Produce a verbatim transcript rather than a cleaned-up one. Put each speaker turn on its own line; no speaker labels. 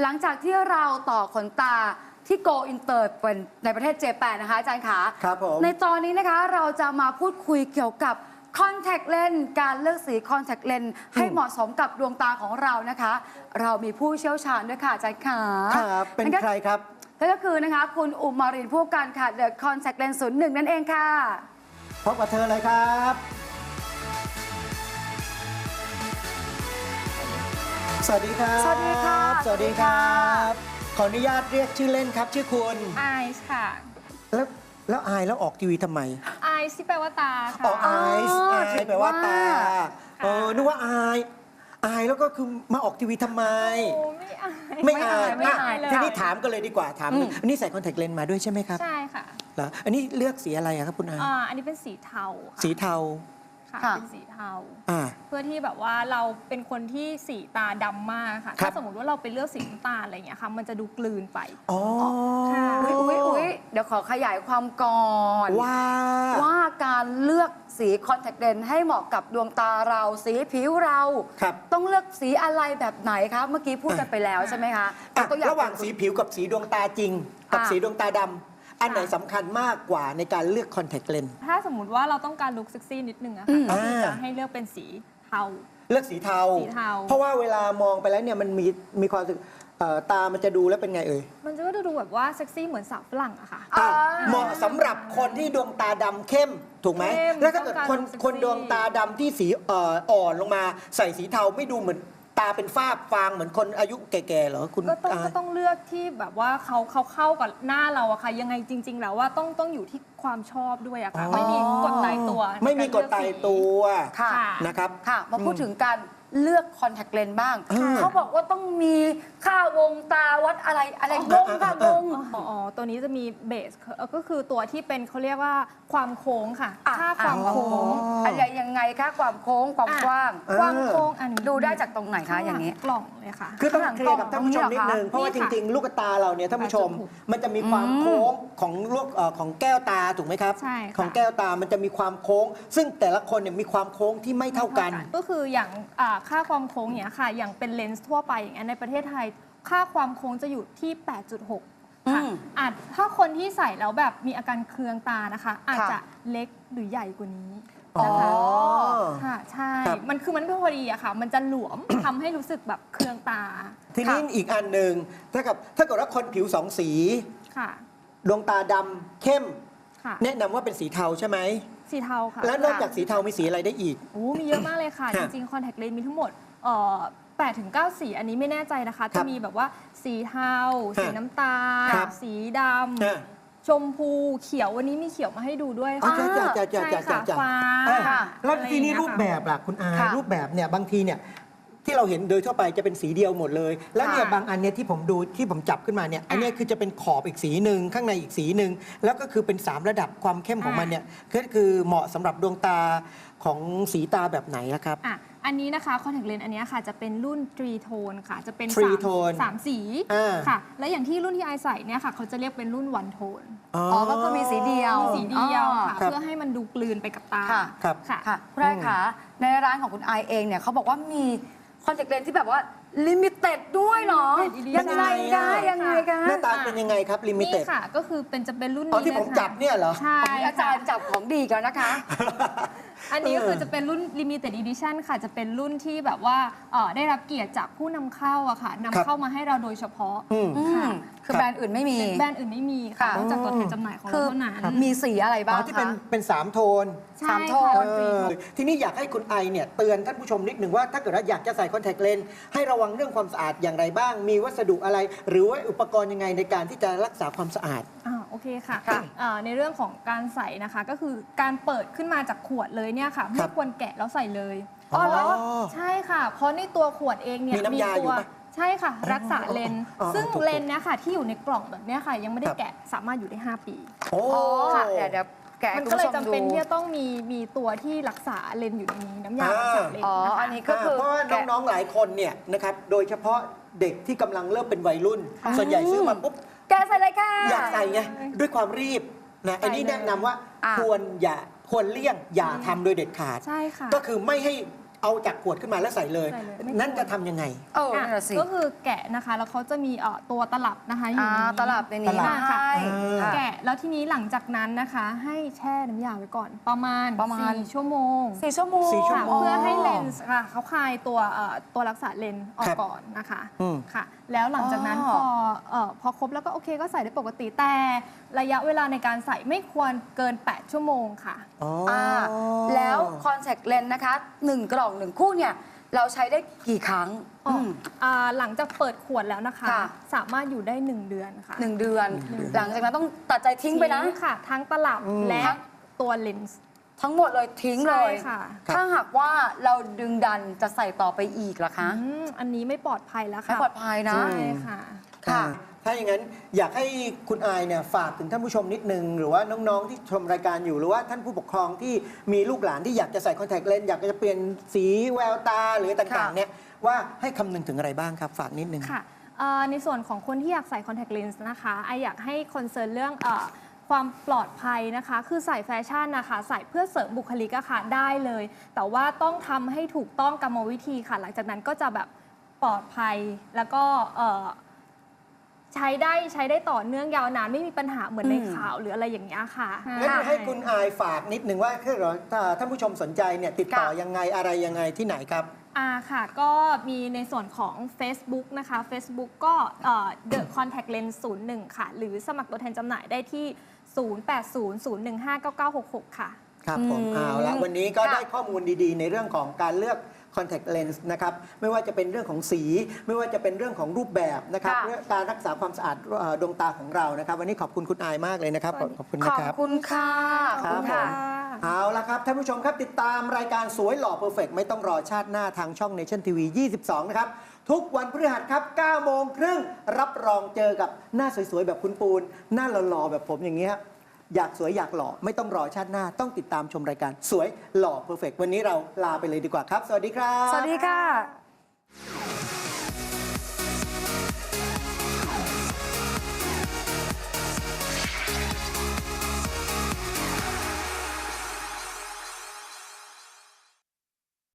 หลังจากที่เราต่อขนตาที่ Go Inter เป็นในประเทศเจแปนนะคะอาจารย์ขา
ครับผม
ในตอนนี้นะคะเราจะมาพูดคุยเกี่ยวกับคอนแทคเลนส์การเลือกสีคอนแทคเลนส์ให้เหมาะสมกับดวงตาของเรานะคะ เรามีผู้เชี่ยวชาญด้วยค่ะอาจารย์ขา
ครับเป็นใครครับ
นั่นก็คือนะคะคุณอุมารินผู้การค่ะ The Contact Lens ศูนย์หนึ่งนั่นเองค่ะ
พบกับเธอเลยครับสวัสดีครับ
สวัสดีครับ
สวัสดีครับขออนุญาตเรียกชื่อเล่นครับชื่อคุณ
ไอซ์ค่ะ
แล้วแล้วอายแล้วออกทีวีทำไม
ไอซ์ที่แปลว่าตาค่ะ
อ๋อไอซ์อายแปลว่าตาเออนึกว่าอายอายแล้วก็คือมาออกทีวีทำไม
โอ้ไม่อาย
ไม่อาย
ไม่อายเลย
ทีนี้ถามกันเลยดีกว่าถามอันนี้ใส่คอนแทคเลนส์มาด้วยใช่ไหมครับ
ใช่ค่ะ
เหรออันนี้เลือกสีอะไรอะครับคุณอา
อ่าอันนี้เป็นสีเทาค่ะ
สีเทา
ค่ะ
ค่ะ
เป็นสีเทา
อ่า
เพื่อที่แบบว่าเราเป็นคนที่สีตาดำมากค่ะ
ครั
ถ้า
บ
สมมติว่าเราไปเลือกสีน้ำตาลอะไรอย่างเงี้ยค่ะ มันจะดูกลืนไป
อ๋อ
ค่ะ
อุ๊ยอุ๊ยอุ๊ยเดี๋ยวขอขยายความก่อน
ว่า
ว่าการเลือกสีคอนแทคเลนส์ให้เหมาะกับดวงตาเราสีผิวเรา
ครับ
ต้องเลือกสีอะไรแบบไหนคะเมื่อกี้พูดกันไปแล้วใช่ไหมคะ
อ่ะ
ยกตัวอย่
ระหว่างสีผิวกับสีดวงตาจริง กับ
อ่ะ
สีดวงตาดำอันไหนสำคัญมากกว่าในการเลือกคอนแทคเลนส์
ถ้าสมมติว่าเราต้องการลุคเซ็กซี่นิดนึงอะ
อื
ค่ะ
ม
ก็คือจะ
อ่า
ให้เลือกเป็นสีเทา
เลือกสีเทา
สีเทา
เพราะว่าเวลามองไปแล้วเนี่ยมันมีมีความรู้สึกเอ่อตามันจะดูแล้วเป็นไงเอ่ย
มันจะก็ดูแบบว่าเซ็กซี่เหมือนสาวฝรั่งอะค่ะ
อ่ะ
อ่า
เหมาะสำหรับคนที่ดวงตาดำเข้มถูกไหม
เข้ม
แล้วถ้าเกิด
ต้องการ
คน
ดูเซ็กซี่
คนดวงตาดำที่สีเอ่ออ่อนลงมาใส่สีเทาไม่ดูเหมือนตาเป็นฝ้าฟางเหมือนคนอายุแก่ๆเหรอคุณ
ก็ต้อง
อา
ก็ต้องเลือกที่แบบว่าเขาเขาเข้ากับหน้าเราอะค่ะ ยังไงจริง ๆ แล้วว่าต้องต้องอยู่ที่ความชอบด้วยอะค่ะ
อ๋อ
ไม่มีกฎตายตัว
ไม่มีกฎตายตัว
ค่ะ
ค่ะ
นะครับ
ค่ะ มาพูดถึงการเลือกคอนแทคเลนส์บ้าง
อืม
เขาบอกว่าต้องมีค่าวงตาวัดอะไรอะไรงงค่ะงง
อ๋ออ๋อตัวนี้จะมีเบสเอ่อก็คือตัวที่เป็นเขาเรียกว่าความโค้งค่ะ
อ่ะ
ค่าความโค้ง
อะไรยังไงคะความโค้งความ
อ่ะ
กว้าง
เออ
ความโค้งอันนี้
ดูได้จากตรงไหนคะอย่างนี้
นี้กล่องเลยค่ะ
คือต้องเคลียร์กับท่านผู้ชมนิดนึง เพราะว่าจ
นี่ค่ะ
ริง ๆ ลูกตาเราเนี่ยท่านผู้ชม
แปดจุดหก
มันจะมีความโค้งของลูกเอ่อของแก้วตาถูกไหมครับ
ใช่ค่ะ
ของแก้วตามันจะมีความโค้ง ซึ่งแต่ละคนเนี่ยมีความโค้งที่ไม่เท่ากัน
ก็คืออย่างอ่าค่าความโค้งเนี่ยค่ะ อย่างเป็นเลนส์ทั่วไปอย่างนี้นในประเทศไทย ค่าความโค้งจะอยู่ที่ แปดจุดหก ค่ะ
อืม
อาจถ้าคนที่ใส่แล้วแบบมีอาการเคืองตานะคะ อาจ
ค่ะ
จะเล็กหรือใหญ่กว่านี้
อ๋อ
นะคะค่ะใช่
ครับ
มันคือมันไม่พอดีอะค่ะ มันจะหลวม ทำให้รู้สึกแบบเคืองตา
ทีนี้อีกอันหนึ่งถ้ากับถ้าเกิดว่าคนผิวสองสี
ค่ะ
ดวงตาดำเข้ม
ค่ะ
แนะนำว่าเป็นสีเทาใช่ไหม
สีเทาค่ะ
แล้วนอกจากสีเทามีสีอะไรได้อีก
โอ้มีเยอะมากเลยค่ะ
ค
จ
รับ
ริงๆ คอนแทคเลนส์มีทั้งหมดเอ่อแปดถึงเก้าสี อันนี้ไม่แน่ใจนะคะ
ครั
จะ
บ
มีแบบว่าสีเทา สีน้ำตาล
ครับ
สีด
อ่ะ
ำ ชมพู เขียว วันนี้มีเขียวมาให้ดูด้วย
อ๋อ
ค่ะ
จ้าจ้าจ้าจ้า
ใช่
จ้า
ค่ะ
จ้า
ฟ้า
อ่ะ
ค่ะ
แล้ว
อะไร
ทีนี้
อย่างเงี้ย
รูปแบบล่ะคุณอา
ค่ะ
รูปแบบเนี่ยบางทีเนี่ยที่เราเห็นโดยทั่วไปจะเป็นสีเดียวหมดเลย แล้วเนี่ย
ค่ะ
บางอันเนี่ยที่ผมดูที่ผมจับขึ้นมาเนี่ยอันเนี้ยคือจะเป็นขอบอีกสีหนึ่งข้างในอีกสีหนึ่งแล้วก็คือเป็นสามระดับความเข้มของมันเนี่ยก็คือเหมาะสำหรับดวงตาของสีตาแบบไหนนะครับ
อ่ะ อันนี้นะคะคอนแทคเลนส์อันเนี้ยค่ะจะเป็นรุ่นทรีโทนค่ะ จะเป็น
Three
สาม
tone
สามสี
อ่า
ค่ะ และอย่างที่รุ่นที่ไอใส่เนี่ยค่ะเขาจะเรียกเป็นรุ่นวันโทน
อ๋อ
อ๋อก็คือมีสีเดียว
มีสีเดียวค่ะ
ครับ
เพื่อให้มันดูกลืนไปกับตา
ค่ะ
ครับ
ค่ะ
ค่ะคุณไอคะในร้านของคุณไอเองเนี่ยเขาบอกว่ามีคอนแทคเลนส์ที่แบบว่าลิมิเต็ดด้วยเหรอ
Limited
ยังไงคะ
edition
ยังไงคะ
หน้าตาเป็นยังไงครับลิมิ
นี่
เต็ด
ค่ะ ก็คือเป็นจะเป็นรุ่น
อ๋อ
นี้
ที่ผม
ลค่ะ
จับเนี่ยเหรอ
ใช่
มีอาจารย์จับของดีกันนะคะ
อันนี้ก็คือจะเป็นรุ่น limited edition ค่ะ จะเป็นรุ่นที่แบบว่าเอ่อได้รับเกียรติจากผู้นำเข้าอะค่ะนำ
ครับ
เข้ามาให้เราโดยเฉพาะ
อืม
อืมคือแบรนด์อื่นไม่มี
แบรนด์อื่นไม่มีค่ะ
ค่ะ
นอกจากตัวแทนจำหน่ายของ
คื
เรา
อ
เท่านั้น
มีสีอะไร
อ๋
บ้า
อง ที่เป็น
คะ
เป็นสามโทน
ใช่
สามโทน
ค่ะ
เออทีนี้อยากให้คุณไอเนี่ยเตือนท่านผู้ชมนิดหนึ่งว่าถ้าเกิดว่าอยากจะใส่คอนแทคเลนส์ให้ระวังเรื่องความสะอาดอย่างไรบ้าง มีวัสดุอะไร หรือว่าอุปกรณ์ยังไงในการที่จะรักษาความสะอาด
อ่าโอเคค่ะ
ค่ะ
อ่าในเรื่องของการใส่นะคะ ก็คือการเปิดขึ้นมาจากขวดเลยเนี่ยค่ะ
ค
ไม่
รับ
ควรแกะแล้วใส่เลย
อ๋อเหรอ
ใช่ค่ะ เพราะในตัวขวดเองเนี่ย
มีน้ำยา
ตั
อยู่
ว
ปะ
ใช่ค่ะ รักษาเลนส์
อ๋อ
ซึ่ง
ถูกๆ
เลนส์เนี่ยค่ะที่อยู่ในกล่องแบบเนี้ยค่ะ ยังไม่ได้
ครับ
แกะสามารถอยู่ได้ห้าปี
โอ้
อ๋อเดี๋ยวเดี๋ยวแกะให้
มัน
คุณ
ก็เลย
ผู้ชม
จำ
ดู
เป็นที่จะต้องมีมีตัวที่รักษาเลนส์อยู่ในนี้น้ำยา
อ่า
รักษาเลน
อ๋อ
ส์นะคะ
อันนี้ก็คือ
เพราะว่า
แกะ
น้องๆหลายคนเนี่ยนะครับโดยเฉพาะเด็กที่กำลังเริ่มเป็นวัยรุ่น ส่วนใหญ่ซื้อมาปุ๊บ
แกะใส่เลยค่ะ
อยากใส่ไงด้วยความรีบนะอันนี้แนะนำว่า
อ่ะ
ควรอย่าควรเลี่ยงอย่าทำโดยเด็ดขาด
ใช่ค่ะ
ก็คือไม่ให้เอาจากขวดขึ้นมาแล้วใส่เลย
ใส่เลยไม่
นั่นจะทำยังไง
เออ
อ่ะ
นั่นนะสิ
ก็คือแกะนะคะ แล้วเขาจะมีเอ่อตัวตลับนะคะอยู่
อ่า
ในนี้
ตลับในนี้
ตลับ
มาให้
อ่า
แกะแล้วทีนี้หลังจากนั้นนะคะ ให้แช่น้ำยาไว้ก่อน ประมาณ
ประมาณ
สี่ชั่วโมง
สี่ชั่วโมง
สี่ชั่ว
ค่ะ
โมง
เพื่อให้เลนส์ค่ะเขาคลายตัวเอ่อตัวรักษาเลนส์ออ
ค
ก
รับ
ก่อนนะคะ
อืม
ค่ะ แล้วหลังจากนั้น
อ๋
พ
อ
อเอ่อพอครบแล้วก็โอเคก็ใส่ได้ปกติแต่ระยะเวลาในการใส่ไม่ควรเกิน แปด ชั่วโมงค่ะ
อ๋อ
อ่าแล้วคอนแทคเลนส์นะคะหนึ่งกล่องหนึ่งคู่เนี่ยเราใช้ได้กี่ครั้ง
อ๋อ
ม
อ่าหลังจากเปิดขวดแล้วนะคะ
ค่ะ
สามารถอยู่ได้ หนึ่ง เดือนค่ะ
หนึ่งเดือน หลังจากนั้นต้องตัดใจทิ้งไปนะ
ค่ะ ทั้งตลับ
อืม
และตัวเลนส์
ทั้งหมดเลยทิ้งเล
ใช่
ย
ค่ะ
ถ้าหากว่าเราดึงดันจะใส่ต่อไปอีกล่ะคะ
อืมอันนี้ไม่ปลอดภัยแล้ว
ไม่
ค่ะ
ปลอดภัยนะ
ใช่ค่ะ
ค่ะ
อ่าถ้าอย่างนั้นอยากให้คุณอายเนี่ยฝากถึงท่านผู้ชมนิดนึง หรือว่าน้องๆที่ชมรายการอยู่หรือว่าท่านผู้ปกครองที่มีลูกหลานที่อยากจะใส่คอนแทคเลนส์อยากจะเปลี่ยนสีแววตาหรือต่าง
ค่ะ
ๆเนี่ยว่าให้คำนึงถึงอะไรบ้างครับ ฝากนิดนึง
ค่ะเอ่อในส่วนของคนที่อยากใส่ contact lens นะคะไออยากให้คอนเซิร์นเรื่องเออความปลอดภัยนะคะ คือใส่แฟชั่นนะคะ ใส่เพื่อเสริมบุคลิกอะค่ะได้เลย แต่ว่าต้องทำให้ถูกต้องกรรมวิธีค่ะ หลังจากนั้นก็จะแบบปลอดภัย แล้วก็เอ่อใช้ได้ใช้ได้ต่อเนื่องยาวนานไม่มีปัญหาเหมือนใน
อืม
ข่าวหรืออะไรอย่างเงี้ยค่ะ
งั้น
ค่ะ
ให้คุณอายฝากนิดนึงว่าถ้าเราถ้าท่านผู้ชมสนใจเนี่ยติดต่อ
ค่ะ
ยังไงอะไรยังไงที่ไหนครับ
อ่าค่ะ ก็มีในส่วนของ Facebook นะคะ Facebook ก็เอ่อ The Contact Lens ศูนย์หนึ่งค่ะ หรือสมัครตัวแทนจำหน่ายได้ที่ ศูนย์ แปด ศูนย์ ศูนย์ หนึ่ง ห้า เก้า เก้า หก หก ค่ะ
ครับผม
อืม
เอาละวันนี้ก็
ค่ะ
ได้ข้อมูลดีๆ ในเรื่องของการเลือก contact lens นะครับไม่ว่าจะเป็นเรื่องของสี ไม่ว่าจะเป็นเรื่องของรูปแบบนะครับ
ค่ะ
เรื่องการรักษาความสะอาดเอ่อดวงตาของเรานะครับ วันนี้ขอบคุณคุณอายมากเลยนะครับ ขอบขอบคุณ
ข
นะ
อบ
ครับ
คุณค่ะ
ค
ข
รั
อ
บบ
คุณ
ผ
ค่ะ
ม เอาละครับท่านผู้ชมครับติดตามรายการสวยหล่อเพอร์เฟกไม่ต้องรอชาติหน้าทางช่อง Nation ที วี ยี่สิบสอง นะครับ ทุกวันพฤหัสครับเก้าโมงครึ่งรับรองเจอกับหน้าสวยๆ แบบคุณปูน หน้าหล่อๆ แบบผมอย่างเงี้ยอยากสวยอยากหล่อไม่ต้องรอชาติหน้าต้องติดตามชมรายการสวยหล่อเพอร์เฟกวันนี้เราลาไปเลยดีกว่าครับ สวัสดีครับ
สวัสดีค่ะ